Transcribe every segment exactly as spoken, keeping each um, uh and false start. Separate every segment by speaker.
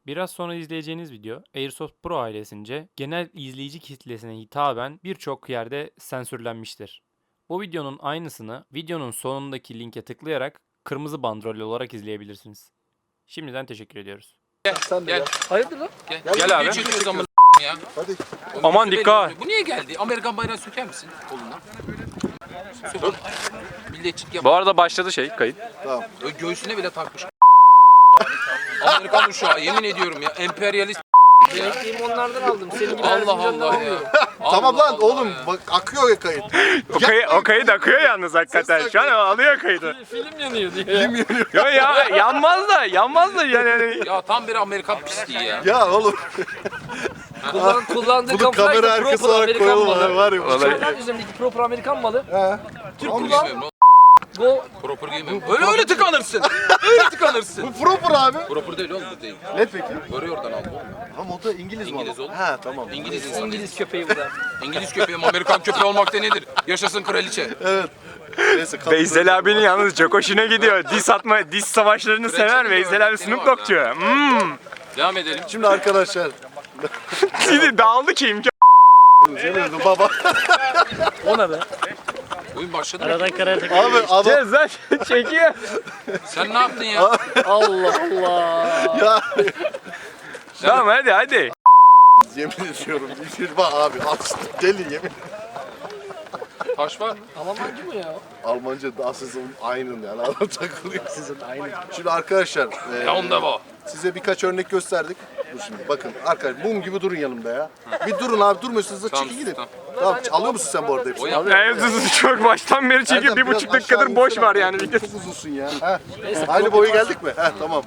Speaker 1: Biraz sonra izleyeceğiniz video Airsoft Pro ailesince genel izleyici kitlesine hitaben birçok yerde sensürlenmiştir. Bu videonun aynısını videonun sonundaki linke tıklayarak kırmızı bandrol olarak izleyebilirsiniz. Şimdiden teşekkür ediyoruz.
Speaker 2: Sen de
Speaker 3: Gel.
Speaker 2: gel.
Speaker 4: Hayırdır lan?
Speaker 3: Gel,
Speaker 1: Gel
Speaker 3: gel
Speaker 1: abi.
Speaker 3: abi. Çekiyoruz ama ya.
Speaker 2: Hadi.
Speaker 1: Aman dikkat.
Speaker 3: Bu niye geldi? Amerikan bayrağı söker misin kolundan? Sök. Milliyetçilik yap.
Speaker 1: Bu arada başladı şey kayıt.
Speaker 2: Tamam.
Speaker 3: Ö, Göğsüne bile takmış. Amerikan uşağı yemin ediyorum ya. Emperyalist.
Speaker 4: Emekliyim onlardan aldım. Senin gibi
Speaker 3: Allah
Speaker 4: Erzincan'dan
Speaker 3: Allah ya.
Speaker 4: almıyorum.
Speaker 2: Tamam lan
Speaker 3: Allah
Speaker 2: oğlum
Speaker 3: ya.
Speaker 2: bak akıyor ya kayıt.
Speaker 1: O, kayı, o kayıt akıyor yalnız hakikaten. Şu an alıyor kaydı.
Speaker 4: Film yanıyor diye.
Speaker 2: Film yanıyor.
Speaker 1: Yo ya yanmaz da yanmaz da yani.
Speaker 3: Ya tam bir Amerikan pisliği ya.
Speaker 2: Ya oğlum
Speaker 4: Kullan, kullandığı
Speaker 2: bunu
Speaker 4: kamuflaj
Speaker 2: kamera
Speaker 4: da
Speaker 2: arkası
Speaker 4: proper
Speaker 2: olarak
Speaker 4: Amerikan
Speaker 2: koyalım abi
Speaker 4: malı.
Speaker 2: var ya.
Speaker 4: Kamuflaj üzerindeki proper Amerikan malı.
Speaker 2: He.
Speaker 4: Türk
Speaker 2: Tamam.
Speaker 4: kullan.
Speaker 3: Bilmiyorum,
Speaker 4: Go.
Speaker 3: Proper giymiyorum. Öyle öyle tıkanırsın. Öyle tıkanırsın.
Speaker 2: Bu proper abi.
Speaker 3: Proper değil oğlum bu değil.
Speaker 2: Ne peki?
Speaker 3: Böyle oradan aldı.
Speaker 2: Ama o da İngiliz mi?
Speaker 3: İngiliz oğlum.
Speaker 2: He tamam.
Speaker 3: İngiliz insan.
Speaker 4: İngiliz köpeği bu da.
Speaker 3: İngiliz köpeği mi, Amerikan köpeği olmakta nedir? Yaşasın kraliçe.
Speaker 2: Evet. Neyse. kapı-
Speaker 1: Veysel abinin yalnız çok hoşuna gidiyor. Dis atma, dis savaşlarını sever Veysel abi Snoop Dogg'cu. Hmm.
Speaker 3: Devam edelim.
Speaker 2: Şimdi arkadaşlar.
Speaker 1: Şimdi dağıldı ki imkan.
Speaker 2: Senin baba.
Speaker 4: O ne be?
Speaker 3: Oyun başladı mı?
Speaker 4: Aradan karaya tak.
Speaker 2: Abi adam
Speaker 1: Cezar çekiyor.
Speaker 3: Sen ne yaptın ya?
Speaker 4: Allah Allah.
Speaker 2: ya.
Speaker 1: Tamam hadi hadi.
Speaker 2: Yemin ediyorum. Bir bak abi. Aslında deli yemin.
Speaker 3: Taş var.
Speaker 4: Almancı mı ya?
Speaker 2: Almanca da aslında aynı yani. Adam takılıyor. Sizin aynı. Şimdi arkadaşlar. e,
Speaker 3: Ya onda bu.
Speaker 2: Size birkaç örnek gösterdik. Dur şimdi bakın arkadaşlar mum gibi durun yanımda ya. Bir durun abi durmuyorsunuz da
Speaker 3: Tamam,
Speaker 2: çekin gidin.
Speaker 3: tamam.
Speaker 2: Tamam alıyor musun sen bu arada
Speaker 3: O
Speaker 2: hepsini?
Speaker 3: yap.
Speaker 1: Evet, çok baştan beri çekiyor.
Speaker 2: Erdem,
Speaker 1: Bir
Speaker 2: biraz
Speaker 1: buçuk
Speaker 2: aşağı
Speaker 1: dakikadır boş
Speaker 2: insene.
Speaker 1: var yani.
Speaker 2: Çok uzunsun ya. Heh. Aynı boyu geldik mi? Heh, tamam.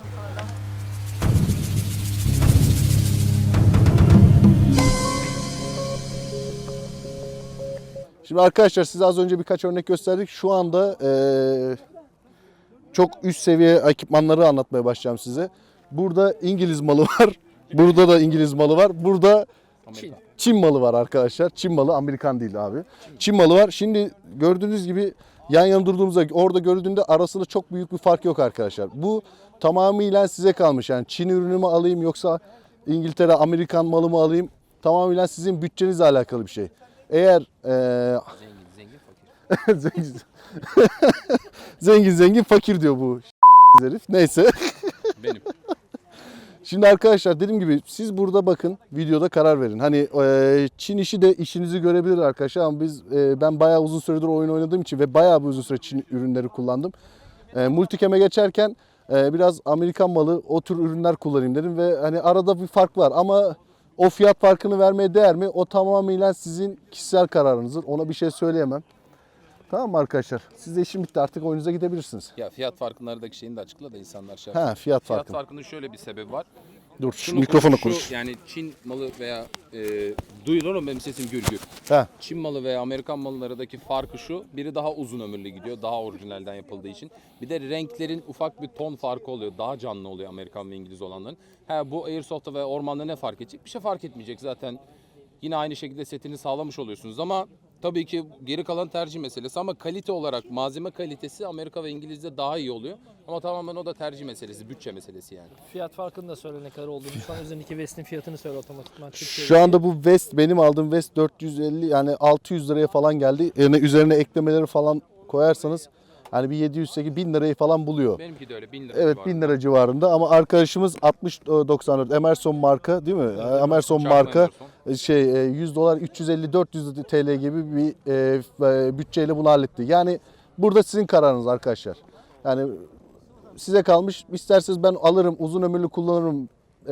Speaker 2: Şimdi arkadaşlar size az önce birkaç örnek gösterdik. Şu anda eee, çok üst seviye ekipmanları anlatmaya başlayacağım size. Burada İngiliz malı var. Burada da İngiliz malı var. Burada
Speaker 4: Çin.
Speaker 2: Çin malı var arkadaşlar. Çin malı, Amerikan değil abi. Çin malı var. Şimdi gördüğünüz gibi yan yana durduğumuzda orada gördüğünde arasında çok büyük bir fark yok arkadaşlar. Bu tamamıyla size kalmış. Yani Çin ürünü mü alayım yoksa İngiltere, Amerikan malı mı alayım? Tamamıyla sizin bütçenizle alakalı bir şey. Eğer eee
Speaker 3: Zengin, zengin, fakir.
Speaker 2: zengin, zengin zengin fakir diyor bu herif. Neyse.
Speaker 3: Benim.
Speaker 2: Şimdi arkadaşlar dediğim gibi siz burada bakın videoda karar verin. Hani e, Çin işi de işinizi görebilir arkadaşlar ama biz e, ben bayağı uzun süredir oyun oynadığım için ve bayağı bir uzun süre Çin ürünleri kullandım. E, Multicam'e geçerken e, biraz Amerikan malı o tür ürünler kullanayım dedim ve hani arada bir fark var ama o fiyat farkını vermeye değer mi? O tamamıyla sizin kişisel kararınızdır. Ona bir şey söyleyemem. Tamam mı arkadaşlar? Siz de işin bitti artık oyununuza gidebilirsiniz.
Speaker 3: Ya fiyat farkındaki şeyini de açıkla da insanlar şey
Speaker 2: Ha
Speaker 3: yapsın.
Speaker 2: fiyat
Speaker 3: Fiyat
Speaker 2: farkı.
Speaker 3: farkının şöyle bir sebebi var.
Speaker 2: Dur şu
Speaker 3: Şunu
Speaker 2: mikrofona
Speaker 3: şu,
Speaker 2: konuş.
Speaker 3: Yani Çin malı veya e, duyulur mu benim sesim gür gür.
Speaker 2: Ha.
Speaker 3: Çin malı veya Amerikan malılarındaki farkı şu. Biri daha uzun ömürlü gidiyor. Daha orijinalden yapıldığı için. Bir de renklerin ufak bir ton farkı oluyor. Daha canlı oluyor Amerikan ve İngiliz olanların. Ha, bu Airsoft'ta ve ormanda ne fark edecek? Bir şey fark etmeyecek zaten. Yine aynı şekilde setini sağlamış oluyorsunuz ama tabii ki geri kalan tercih meselesi ama kalite olarak malzeme kalitesi Amerika ve İngiliz'de daha iyi oluyor. Ama tamamen o da tercih meselesi, bütçe meselesi yani.
Speaker 4: Fiyat farkını da söyle ne kadar olduğunu. Şu an üzerindeki vestin fiyatını söyle otomatikman.
Speaker 2: Şu anda bu vest benim aldığım vest dört yüz elli yani altı yüz liraya falan geldi. Yani üzerine eklemeleri falan koyarsanız hani bir yedi yüz sekiz bin lirayı falan buluyor.
Speaker 3: Benimki de öyle bin lira
Speaker 2: Evet
Speaker 3: civarında.
Speaker 2: bin lira civarında ama arkadaşımız altmış doksan dört Emerson marka değil mi? Emerson
Speaker 3: Çarpı
Speaker 2: marka
Speaker 3: Emerson.
Speaker 2: şey yüz dolar üç yüz elli dört yüz T L gibi bir e, bütçeyle bunu halletti. Yani burada sizin kararınız arkadaşlar. Yani size kalmış. İsterseniz ben alırım uzun ömürlü kullanırım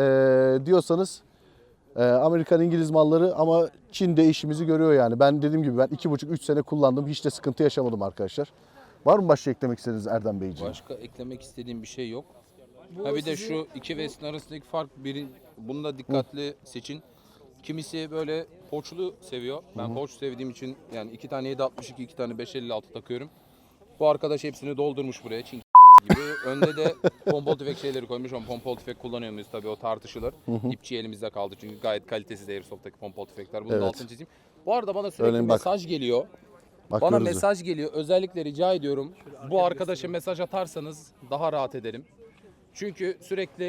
Speaker 2: e, diyorsanız e, Amerikan İngiliz malları ama Çin de işimizi görüyor yani. Ben dediğim gibi ben iki buçuk üç sene kullandım. Hiç de sıkıntı yaşamadım arkadaşlar. Var mı başka eklemek istediğiniz Erdem Beyciğim?
Speaker 3: Başka eklemek istediğim bir şey yok. Ha bir de şu iki vestin arasındaki fark biri bunu da dikkatli seçin. Kimisi böyle poçlu seviyor. Ben poç sevdiğim için yani iki tane yedi altmış iki, iki tane beş elli altı takıyorum. Bu arkadaş hepsini doldurmuş buraya. Çin gibi. Önde de pompalı tüfek şeyleri koymuş ama pompalı tüfek kullanıyor muyuz tabii o tartışılır. İpçi elimizde kaldı çünkü gayet kalitesiz Airsoft'taki pompalı tüfekler. Bunu
Speaker 2: Evet.
Speaker 3: da altını çizeyim. Bu arada bana sürekli
Speaker 2: Örneğin bak.
Speaker 3: mesaj geliyor. Bana
Speaker 2: Bakıyoruz.
Speaker 3: mesaj geliyor. Özellikle rica ediyorum. Bu arkadaşa mesaj atarsanız daha rahat ederim. Çünkü sürekli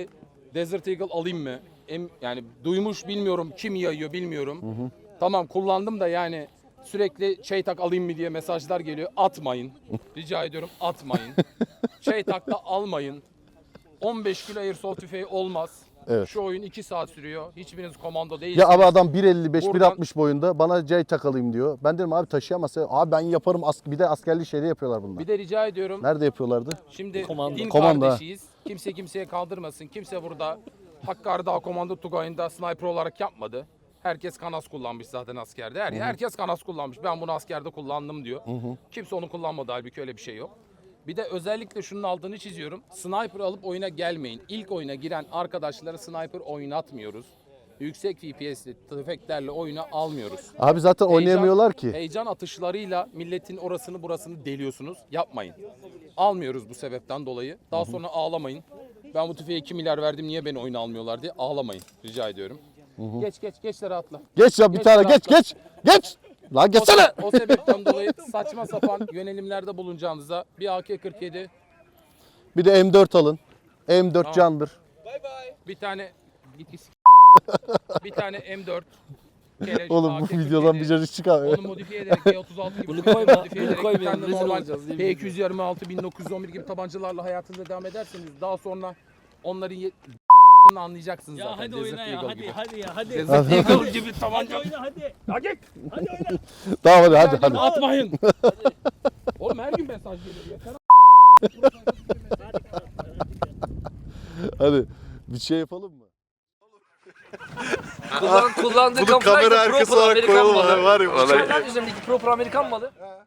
Speaker 3: Desert Eagle alayım mı? Em, yani duymuş bilmiyorum, kim yayıyor bilmiyorum. Tamam kullandım da yani sürekli Şeytak alayım mı diye mesajlar geliyor. Atmayın. Rica ediyorum atmayın. Şeytak da almayın. on beş kilo airsoft tüfeği olmaz.
Speaker 2: Evet.
Speaker 3: Şu oyun iki saat sürüyor. Hiçbiriniz komando değilsiniz.
Speaker 2: Ya abi adam bir elli beş bir
Speaker 3: Buradan-
Speaker 2: altmış boyunda bana J takalım diyor. Ben dedim abi taşıyamazsın. Abi ben yaparım. As- bir de askerli şeyde yapıyorlar bunlar.
Speaker 3: Bir de rica ediyorum.
Speaker 2: Nerede yapıyorlardı?
Speaker 3: Şimdi
Speaker 4: Komando.
Speaker 3: din
Speaker 2: Komando, ha.
Speaker 3: kardeşiyiz. Kimse kimseye kaldırmasın. Kimse burada Hakkari Dağ Komando Tugayı'nda sniper olarak yapmadı. Herkes kanas kullanmış zaten askerde. Her, herkes kanas kullanmış. Ben bunu askerde kullandım diyor. Kimse onu kullanmadı halbuki öyle bir şey yok. Bir de özellikle şunun altını çiziyorum. Sniper alıp oyuna gelmeyin. İlk oyuna giren arkadaşlara sniper oynatmıyoruz. Yüksek F P S'li tüfeklerle oyuna almıyoruz.
Speaker 2: Abi zaten oynayamıyorlar ki.
Speaker 3: Heyecan atışlarıyla milletin orasını burasını deliyorsunuz. Yapmayın. Almıyoruz bu sebepten dolayı. Daha sonra ağlamayın. Ben bu tüfeğe iki milyar verdim niye beni oyuna almıyorlar diye ağlamayın. Rica ediyorum. Geç geç geçlere atla.
Speaker 2: Geç ya bir
Speaker 3: Geç
Speaker 2: tane
Speaker 3: lan,
Speaker 2: geç geç. Geç. Lan
Speaker 3: O,
Speaker 2: geçsene.
Speaker 3: o sebepten dolayı saçma sapan yönelimlerde bulunacağınıza bir A K kırk yedi,
Speaker 2: Bir de M dört alın. M dört
Speaker 3: Tamam.
Speaker 2: candır.
Speaker 3: bir tane git git. bir tane M dört. Keleş,
Speaker 2: Oğlum
Speaker 3: A K
Speaker 2: bu
Speaker 3: kırk
Speaker 2: videodan
Speaker 3: yedi.
Speaker 2: bir cacık çıkar.
Speaker 3: Onu modifiye ederek G otuz altı gibi
Speaker 4: Bunu
Speaker 3: tüfekleri
Speaker 4: koyma,
Speaker 3: modifiye
Speaker 4: bunu
Speaker 3: ederek
Speaker 4: koyma,
Speaker 3: bir tane
Speaker 4: rezil
Speaker 3: normal
Speaker 4: olacağız, değil mi?
Speaker 3: P iki yüz yirmi altı bin dokuz yüz on bir gibi tabancalarla hayatınıza devam ederseniz daha sonra onların ye- anlayacaksınız
Speaker 5: Ya
Speaker 3: zaten.
Speaker 5: hadi
Speaker 3: Desert
Speaker 5: oyna ya
Speaker 3: Eagle
Speaker 5: hadi
Speaker 3: gibi.
Speaker 5: hadi ya hadi.
Speaker 3: Desert Eagle gibi
Speaker 5: Hadi
Speaker 3: tabanca.
Speaker 5: oyna hadi.
Speaker 3: Hadi.
Speaker 5: Hadi oyna.
Speaker 2: Tamam hadi hadi hadi.
Speaker 3: Atmayın. Oğlum her gün mesaj geliyor. Yeter.
Speaker 2: Hadi bir şey yapalım mı?
Speaker 4: Kullan, kullandığı
Speaker 6: Bunu
Speaker 4: kamuflaj
Speaker 6: kamera
Speaker 4: da
Speaker 6: arkası
Speaker 4: proper
Speaker 6: olarak
Speaker 4: Amerikan
Speaker 6: koyalım
Speaker 4: malı.
Speaker 6: abi, var ya, vallahi.
Speaker 4: Uçaklar üzerindeki proper Amerikan malı.